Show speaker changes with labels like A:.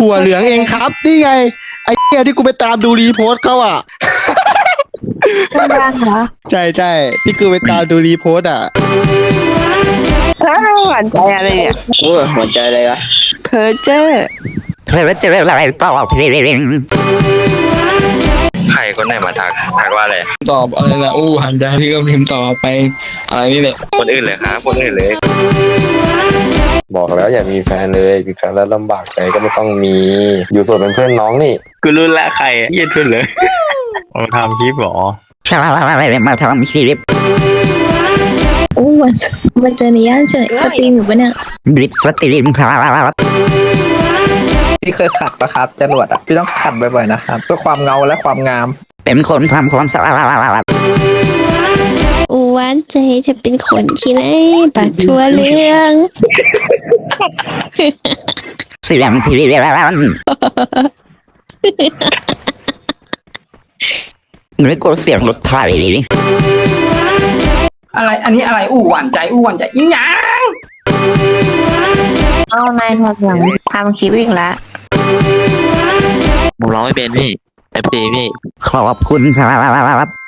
A: ถั่วเหลืองเองครับนี่ไงไอ้เนี่ยที่กูไปตามดูรีโพสต์เขาอ่ะ
B: ไม่ได้เหรอ
A: ใช่ใช่ที่กูไปตามดูรีโพสต์อ่ะ
B: แล้วหวานใจอะไรเนี่ย
C: โอ้ยหัวใจเลยอะ
B: เพอเจอร์
D: เพื่อจะเรื่องอะไรต่อเพลง
E: ใครคนไหนมาทักว่าอะไร
C: ตอบอะไรนะอู้หันใจพี่ก็พิมพ์ต่อไปอะไรนี่แหละ
E: คนอื่นเลยครับคนอื่นเลย
F: บอกแล้วอย่ามีแฟนเลยมีแฟนแล้วลำบากใจก็ไม่ต้องมี อยู่โสดเป็นเพื่อนน้องนี่
E: กูรู้ละใครเย็นทุนเลยมาทำคลิปหรอ
D: ใช่อะไรมาทำคลิป
G: อู้มันเจอในย่านเฉยสตรีมอยู่ปะเนี่ย
D: บลิปสตรีมครับ
H: พี่เคยขัดปะครับจรวดอ่ะพี่ต้องขัดบ่อยๆนะครับเพื่อความเงาและความงาม
D: เป็นคนทำความสะอาด
G: อู้หวานใจจะเป็นคนที่ไหนปากทั่วเรื่อง
D: เสียงพี่เรียนนึกว่าเสียงรถไฟ
H: อะไรอันนี้อะไรอู้หวานใจอีหยัง
B: เอานายทำอย่างทำคลิปอีกแล้ว
E: ผมร้องไม่เป็นพี่เอฟซีพี่
D: ขอบคุณครับ